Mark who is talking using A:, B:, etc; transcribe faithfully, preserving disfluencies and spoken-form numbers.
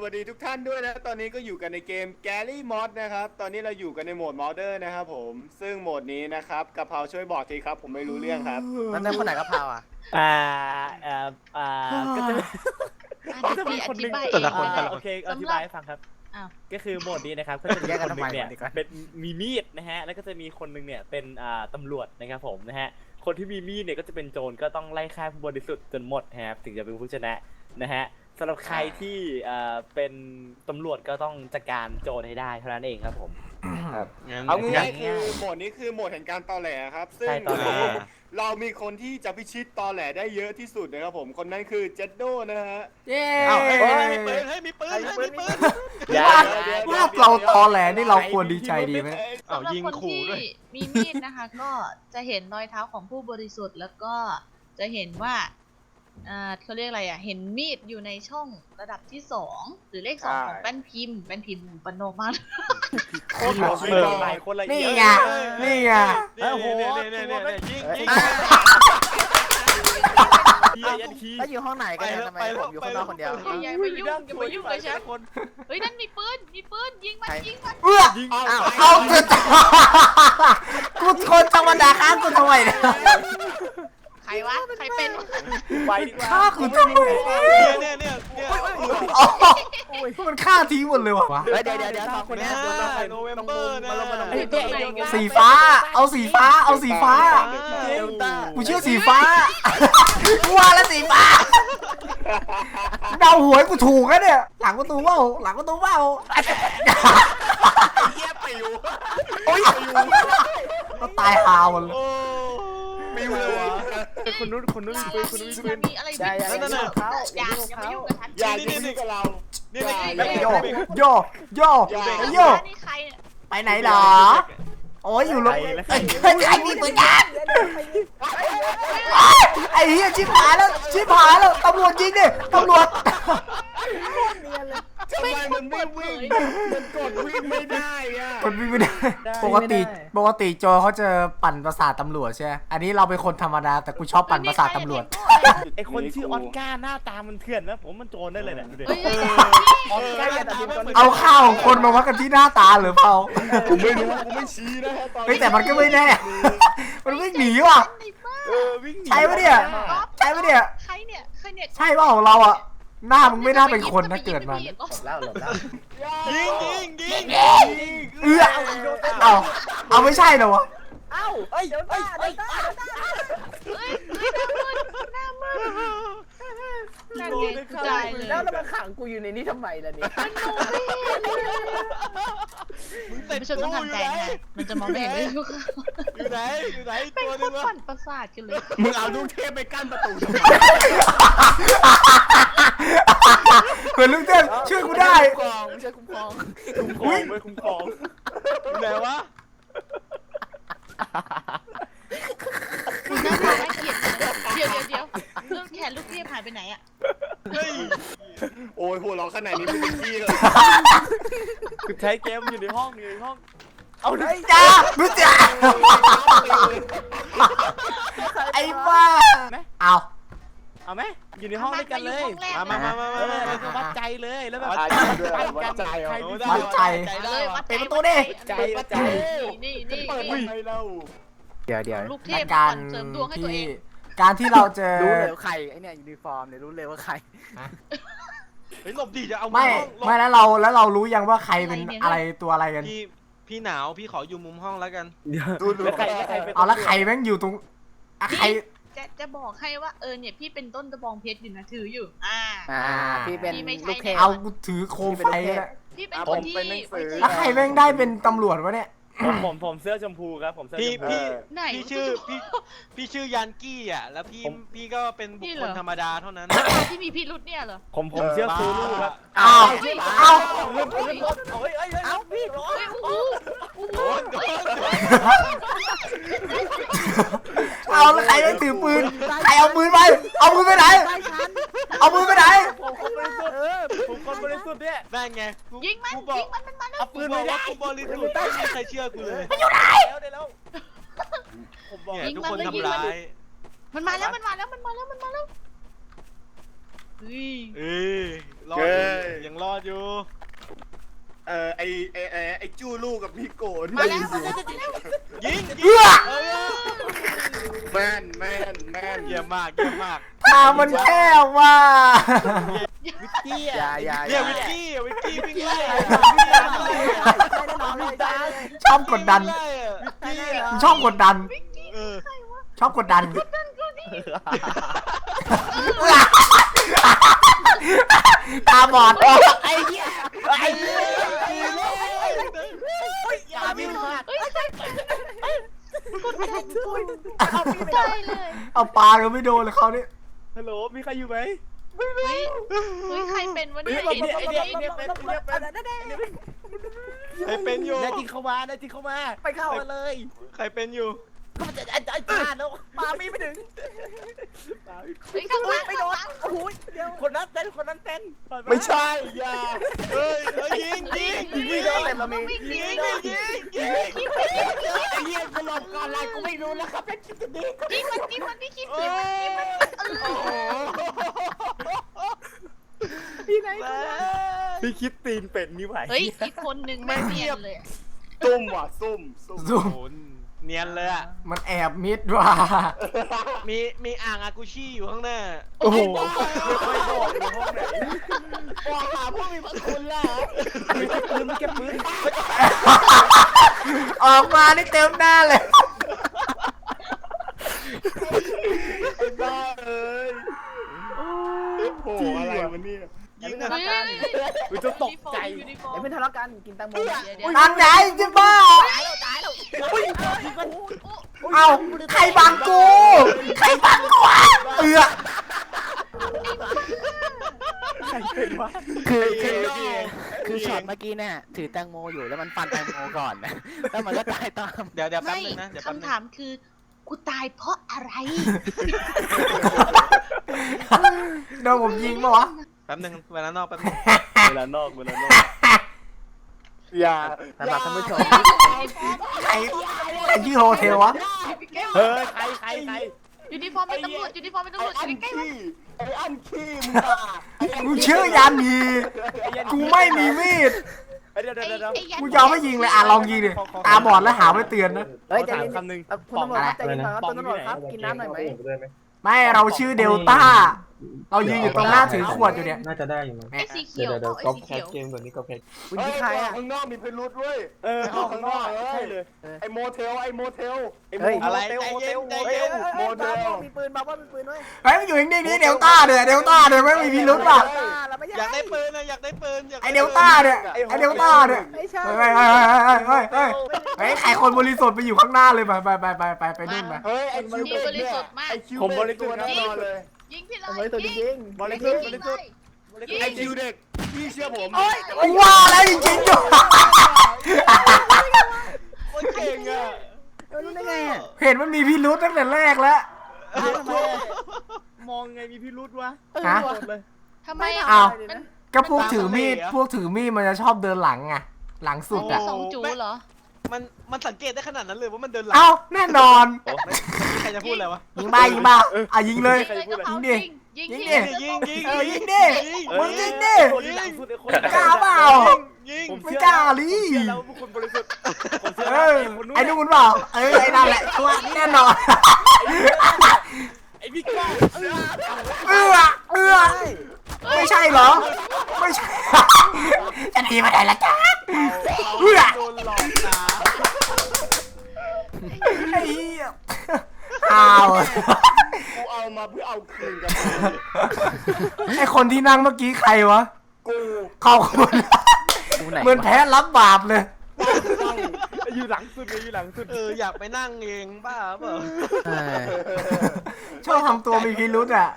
A: วัสดีทุกท่านด้วยนะตอนนี้ก็อยู่กันในเกม Gary Mod นะครับตอนนี้เราอยู่กันในโหมด Modder นะครับผมซึ่งโหมดนี้นะครับกะเพราช่วยบอกทีครับผมไม่รู้เรื่องครับ
B: นั่นนั่นคนไหนกะเพราอ่ะ
C: อ่าอ่าอ่าก็จะ
D: ก็จะมีคนหนึ่ง
C: แต่ละคนโอเคอธิบายให้ฟังครับ
D: อ้าว
C: ก็คือโหมดนี้นะครับก็จะมีคนหนึ่งเนี่ยเป็นมีมีดนะฮะแล้วก็จะมีคนหนึ่งเนี่ยเป็นอ่าตำรวจนะครับผมนะฮะคนที่มีมีดเนี่ยก็จะเป็นโจรก็ต้องไล่ฆ่าผู้บริสุทธิ์จนหมดนะครับถึงจะเป็นผู้ชนะนะฮะสำหรับใครที่อ่าเป็นตำรวจก็ต้องจัดการโจรให้ได้เท่านั้นเองครับผมครับ
A: เอาง่ายๆคือโหมดนี้คือโหมดแห่งการตอแหลครับซึ่ง
C: ใช่ตอแหล
A: เรามีคนที่จะพิชิตตอแหลได้เยอะที่สุดนะครับผมคนนั้นคือเจดโดนะฮะ
B: เย้
E: อ้าวเฮ้ยมีปืนเฮ้ยมีปืนเฮ้ยมีปืน
C: อย่า
E: ว่าเราตอแหลนี่เราควรดีใจดีไหม
D: สำหรับคนที่มีมีดนะคะ ก็จะเห็นรอยเท้าของผู้บริสุทธิ์แล้วก็จะเห็นว่าอ่าเขาเรียกอะไรอ่ะเห็นมีดอยู่ในช่องระดับที่สองหรือเลขสองของแป้นพิมพ์แป้นพิมพ์ปนโนมาก
C: โคตรละเอียดหลายคนละเอี
E: นี่
C: ยด
E: ไงนี่ไง
C: โอ้โห
E: เนี่ยเนี่ยเนี่ยยิงยิง
C: เฮียยันคี
B: แล้วอยู่ห้องไหนกันเนี่ยทำไมผมอยู่ข้างนอกคนเดียว
D: อย่าอย่ามายุ่งอย่ามายุ่งกับฉันเฮ้ยนั่นมีปืนมีปืนยิงมันยิงมัน
E: เอื้อ
C: ยิง
B: อ้าว
E: เอาเถอะกูคนธรรมดาฆ่ากูทำไมเนี่ย
D: ใครวะใครเป็น
C: ไปดีกว่า
E: ฆ่ากูทำไม
F: เนี่ยเนี่ยเนี่ยเนี่ย
E: อ๋อมันฆ่าทิ้งหมดเลยวะ
B: เฮ้ยเดี๋ยวเดี๋ยวเดี๋ยวสองคนนี้
F: โนเวมเบอร์นะ
E: สีฟ้า เอาสีฟ้า เอาสีฟ้า
C: เดลต้า
E: กูเชื่อสีฟ้ากูว่าแล้วสีฟ้าเดาหวยกูถูกแล้วเนี่ยหลังประตูเปล่าหลังประตูเปล่า
A: เยี่ยปิว
E: โอ้ยก็ตายหาหมดเลย
F: โอ้
A: ปิวเลย
C: คนนู้นคนนู้น
D: อย่า
C: มีปืนคนนู้นมี
D: อ
C: ปื
D: ย่าน มีอะไรบิด
C: นั่นน่ะ
D: อย่าอย่ามายุ่งกับฉัน
A: อย่ายิงกับเรา
F: เนี่ยเนี่ย
E: แล้ว
F: เนี่ย
E: โยโยโยโย
D: นี่ใครเนี่ย
E: ไปไหนหรอโอ้ยอยู่รถไอ้ใครมีปืนกันไอ้เหี้ยชิบหายแล้วชิบหายแล้วตำรวจยิงดิตำรวจ
A: ทำไมมันไม่วิ่งมันกดวิ่งไม่ได้อะ
E: คนวิ่งไม่ได้ปกติปกติโจเขาจะปั่นประสาทตำรวจใช่ไหมอันนี้เราเป็นคนธรรมดาแต่กูชอบปั่นประสาทตำรวจ
C: ไอคนชื่อออสการ์หน้าตามันเถื่อนนะผมมันโจรได้เลยเนี่ยดูดิ
D: เฮ้ย
C: ออสการ์อย่าตัดสินคน
E: เอาข้าวของคนมาวัดกันที่หน้าตาหรือเปล่า
A: ผมไม่รู้กูไม่ชี้นะฮะตอน
E: เฮ้ยแต่มันก็ไม่แน่ มันวิ่งหนีว่ะ
C: เออวิ่งหนี
E: ใช่ปะเนี่ย ใช่ปะเนี่ย
D: ใครเนี่ยใครเนี่ย
E: ใช่เปล่าของเราอ่ะหน้ามึงไม่น่าเป็นคนนะเกิดมา
C: แล้วหลบแล้ว
F: ยิงยิงยิง
E: เอื้อเอาเอาไม่ใช่เหรอวะ
C: เอ้าเอ้ยเอ้ยเอ้ย
D: เฮ้ยหน้ามืดหน้ามืดนั่นไงกูตายเลย
B: แล้วแล้วมาขังกูอยู่ในนี้ทำไมล่ะนี่
D: มันมองไม่เห็นเลย
F: มึงเสร็จ
D: ผู้ชมต้องทำใจนะมันจะมองไม่เห็นเลยทุกคน
F: อยู่ไหนอยู่ไหน
D: เป็น
F: ตัว
D: ค
F: นึ
D: น
F: งวะ
D: ปั่นประสาทกันเลย
A: มึงเอาลูกเทพไปกั้นประตูทำไม
E: เหมือนลุงเต้นช่วยกูได้
B: คุ้มครองไม่ใช่คุ้มครอง
C: คุ้มครองไม่คุ้มครอง
F: อยู่ไหนวะ
D: คุณหน้าตาน่าเกลียดเดี๋ยวเดี๋ยวเดี๋ยวเรื่องแขนลูกเทพหายไปไหนอะ
F: เฮ้ย
A: โอ้ยหัวเราะขนาดนี้ไม่เป็นที่เลย
C: คือใช้เกมอยู่ในห้องอยู่ในห้องเอาดิ
E: จ้ารู้จักไอ้บ้าเอา
C: เอาไหมอยู่ในห้องด้วยกันเลย
F: มามามามา
C: เอ
F: มา
C: อแล้วก็วัดใจเลยแล้วแบบ
A: วัดใจด้วย
C: วัดใจ
A: วัดใจ
C: ใคร
F: โอ้
C: มี
F: ได้
E: วัดใจ
D: เอาเลยวัดใจ
E: เป็นประตูดิ
C: ใจวัดใจ
D: นี่นี่
A: เปิด
D: นี่
A: ทำไมเล่า
B: เดี๋ยวเดี๋ยว
D: ลูกเทพ
E: การ
D: ปั่นเสริมดวงให้ตัวเอ
E: ที่
D: ง
E: การที่เราเจอ
B: รู้เลยว่าใครไอเนี่ยยูนิฟอร์มเนี่ยรู้เลยว่าใคร
F: เฮ้ยหลบดิจะเอา
E: ไม่
F: ห้องหลบ
E: ไม่แล้วเราแล้วเรารู้ยังว่าใครเป็นอะไรตัวอะไรกัน
F: พี่พี่หนาวพี่ขออยู่มุมห้องแล้วกัน
A: ดูดู
C: แล้วใครแล้วใครเป็น
E: เอาแล้วใครแม่งอยู่ตรงอะใคร
D: จะจะบอกให้ว่าเออเนี่ยพี่เป็นต้นตะบองเพชรอยู่นะถืออยู่ อ่า
B: อ่าพี่เป็น
D: พี่ไม่ใช่
B: ลูกเทพ
E: เอากูถือโคมไฟแล้ว
D: พี่เป็นคนที่ไม่ใช่
E: แล้วใครแม่งได้เป็นตำรวจวะเนี่ย
C: ผมผมผมเสื้อชมพูครับผมเสื้อ
F: พี่
C: ชมพู
F: พี่
D: ไหน
F: พี่ชื่อพี่พี่ชื่อยันกี้อ่ะแล้วพี่พี่ก็เป็นบุคคลธรรมดาเท่านั้น
D: ที่มีพี่รุดเนี่ยเหรอ
C: ผมผมเสื้อซูรูครับ
E: เอาเอา
C: เฮ้ยเฮ้ยเฮ้ยเอ้าพี่ร้อน
D: เฮ้ยโอ้โหโอ้โห
F: โดนโดนโดน
E: เอาแล้วใครแม่งถือปืนใครเอาปืนไปเอาปืนไปไหนเอาปืนไปไหน
C: ผมคนบริสุทธิ์ผมคนบริสุทธิ์เนี่ย
F: นั่นไงกู
D: ยิงมัน
F: กูบอก
D: ยิงมันมันมาแล้ว
C: เอาปื
F: กู
C: น
F: บ
C: ไม่
F: อก
C: ได้
F: ว่ากูบริสุทธิ์ไม่มีใครเชื่อกูเลย
C: แล้วได้แล้วผมบอก
F: เนี่ยทุกคนทำร้าย
D: มันมาแล้วมันมาแล้วมันมาแล้วมันมาแล้วเฮ้ย
F: เอ้ยรอดอยู่ยังรอดอยู่
A: เออไอไอไอไอจู้ลูกกับพี่โกน
D: มาแล้วมาแล้วมาแล้ว
F: ยิง
E: เอื้
F: ยิ
E: อ
F: งเออ
A: แม่นแม่นแม่น
F: เยี่ยมมากเยี่ยมมาก
E: ทางมันแคบว่ะ
C: วิกกี้
B: อย่า
C: อ่ะ
B: อย่าอ
F: เนี่ย
B: ย่า
F: วิกกี้อะวิกกี้วิ่งไล่
E: ชอบกดดัน
F: วิ่งไล่อะ
C: วิกกี้อ่ะ
E: ชอบกดดัน
F: เออ
E: ชอบกดดันตาบอด
C: ไอ้เหี้ยไอ้เหี้ย
D: อย่าบินมากเฮ้ยใครกดดันตายเลย
E: เอาปลาก็ไม่โดนเลยเขาเนี่ย
C: ฮัลโหลมีใครอยู่ไหม
D: เฮ้ยเฮ้ยใครเป็นวะเนี่ย
C: ไอ้เนี่ยไอ้เนี่ยไอ้เนี่ยเป็นไอ้เนี่ยเป็น
F: ใครเป็นอยู่
C: ได้จริงเข้ามาได้จริงเข้ามาไปเข้ามาเลย
F: ใครเป็นอยู่
C: ก็มันจะไอ้ไอ้จานแล้วมาไม่ไปถึง
D: เฮ้ยข้างหลัง
C: ไม่โดนโอ้โหเดี๋ยวคนนั้นเต้นคนนั้นเต้น
A: ไม่ใช่อย่า
F: เฮ้ยเฮ้ยยิงยิงยิง
C: ไม่โดนแต่เรามี
D: วิ่งหนี
F: ยิง
D: ไม่โดน
F: ยิงยิง
C: ไอ้เหี้ยกูหลบก่อนอะไรกูไม่รู้แล้วครับเป็นคิดดี
D: ยิงมันยิงมันพี่คิด
F: โอ้
D: ยิงมันยิงมันเอ
F: โห
D: อ
C: ที่ไหนพี่คิดตีนเป็ดนี่ไหว
D: เฮ้ยอีกคนนึงไม่เนียนเลย
A: ซุ่มว่ะซุ่มซุ่ม
E: ซุ่ม
F: โหเนียนเลยอ่ะ
E: มันแอบมิดว่ะ
F: มีมีอ่างอากูชี่อยู่ข้างหน้า
E: โอ้โห
C: ไม่บอกอยู่ห้องไหน
A: บอกหาผู้มีพระคุณล่ะ
C: ไม่เก็บปืนไม่เก็บปืน
E: ออกมานี่เต็มหน้าเลย
A: ไอ้บ้าเอ้ยโอ้โหอะไรวะเนี่ย
F: ยิง
D: เฮ้
F: นะ
D: ยเฮ้ยเฮ้ย
C: กูจะตกใจ
D: ยูนิฟอร์
B: ไอ้
D: ม
B: เพื่อนทะเลาะกันกินแตงโม
D: เดี๋ยวเดี๋ยว
E: อันไหนจะบ้า เอาใครบังกู ใครบังกูวะเอือ
C: ใครเป็นวะ
B: คือคือคือช็อตเมื่อกี้เนี่ยถือแตงโมอยู่แล้วมันฟันแตงโมก่อนนะแล้วมันก็ตายตาม
F: เดี๋ยวเดี๋ยวแป๊บ
D: ไม่
F: นึงนะเดี๋ยวแป๊บนึง
D: คำถามคือกูตายเพราะอะไร
E: โดนผมยิงปะวะ
F: แป๊บนึงเวลานอกแป๊บนึง
C: เวลานอกเวลานอก
A: อย่า
B: สำหรับท่านผู้ชม
E: ใครใครชื่อโฮเทลวะ
C: เฮ้ยใครใครใคร
D: ยูนิฟอร์มเป็นตำรวจยูนิฟอร์มเป็นตำรวจ
A: ไอ้
D: อยู่ใกล้ๆมัน
A: ขี้ไอ้อันขี้มึงอ่ะ
E: กูชื่อยันฮีกูไม่มีมีด
C: เดี๋ยวเดี๋ยวเดี๋ยว
D: ไอ้ยัน
E: กูยอมไม่ยิงเลยอ่ะลองยิงดิตาบอดแล้วหาไม่เตือนนะ
B: เฮ้ย
C: ขอ
B: ใจ
C: ถาม
B: เย็น
C: คำหนึ่ง
B: เอ่อคุณตำรวจครับใจเย็นก่อนครับคุณตำรวจครับกินน้ำหน่อยไหม
E: ไม่เราชื่อเดลต้า เรายืนอยู่ตรงหน้าถือขวดอยู่เนี่ย
G: น่าจะได้อยู่มั้ง
D: ไอ้สีเขียว
G: เดี๋ยว
D: เป
G: เดี๋ยว
D: ล่าไอ้สีเขียว
G: ก๊อปแคสเกมแบบนี้ก๊อปแคส
B: คุณ
A: เฮ้ย
B: ที่ใครอ่ะ
A: ข้างนอกมีพิรุษเว้ย
C: เออ
A: ออกข้างนอกเล
C: ใช่
A: ย
C: เลย
A: ไอ้โมเทลไอ้โมเทลไอ้โม
B: เฮ้ย
F: อะไร
A: เทล
F: ใจ
A: โมเท
F: เย็น
A: ล
F: ใจ
A: เฮ้ย
F: เย็น
A: โมเทล
B: มีปืนมาว่ามีปืนด้วย
E: เฮ้ยมันอยู่นิ่งๆนี่เดลต้าเนี่ยเดลต้าเนี่ยไม่มีพิรุธป่ะ
B: เราไม่
F: อยากได้ปืนนะอยากได้ปืนอยาก
E: ไอเดลต้าเนี่ยไอเดลต้าเนี่ย
B: ไม่ใช่
E: เฮ้ยเฮ้ยเฮ้ยเฮ้ยเฮ้ยเฮ้ยใครคนบริสุทธิ์ไปอยู่ข้างหน้าเลยไปไปไปไปไปไปนู่นไป
A: เฮ้ยไอ้คิวเบกเนี่ยไอ้คิวเบกตัวแน่นอนเลย
D: ยิงพี่เล
B: เอาไว้
D: ย
B: ตัวจ
D: ยิง
B: ริง
C: บริสุทธิ์บริสุทธิ์
D: ยิง
A: ไอ้คิวเด็กพี่เชื่อผม
E: กูว่าแล้วจริงๆอยู่
F: โคตรเก่งอ่ะ
B: เออรู้ได้ไงอ่ะ
E: เห็นมันมีพิรุธตั้งแต่แรกแล้ว
C: มองไงมีพิรุษวะ
E: ฮะ
C: เลย
D: ทำไมอ่ะ
E: อ้าว
D: มัน
E: ก็พวกถือมีดพวกถือมีดมันจะชอบเดินหลังไงหลังสุดอ่ะ
D: สองจูเหรอ
F: มันมันสังเกตได้ขนาดนั้นเลยว่ามันเดินหลัง
E: เอ้าแน่นอน
F: ใครจะพูดอะไรวะ
E: ยิงบ้ายิงบ้าอ่ะยิงเลย
D: ยิงเลยกระเป๋า
E: ยิ
D: ยิ
E: ง
D: ง
E: ดิ
D: ยิง
E: ยิงดิ
F: ยิงยิง
E: เออยิงดิ มึงยิงดิ
C: คนที่หลังสุดไอ้คน
E: กล้าเปล่า
F: ยิง
C: ผม
E: ไม่
C: เชื่อก
E: ล้าลิ
C: ผมเชื่อแล้วว่าพวกคุณบริสุทธิ์ผมเชื่อ
E: เอ
C: แล้ว
E: อ
C: ไอ้คนนู้น
E: ไอ้นู่นเปล่าเออไอ้นั่นแหละชัวร์แน่นอน
C: ไอ้พี่ก้อง
E: เอื้อเอื้อไม่ใช่เหรอ ไม่ใช่ จะหนีมาไหนล่ะจ๊ะเอื้อ
F: โดนหลอกนะ
E: ไอ้เหี้ยอ้าว
A: กูเอามาเพื่อเอาคืนกับ
E: ไอ้คนที่นั่งเมื่อกี้ใครวะ
A: กู
E: ขอบคุณ
B: กูไหน
E: เหมือนแพ้รับบาปเลย
C: อยู่หลังสุดเลยอยู่หลังสุด
F: เอออยากไปนั่งเองบ้าเปล่า
B: เออ
E: ชอบทำตัวมีพิรุธอ่ะ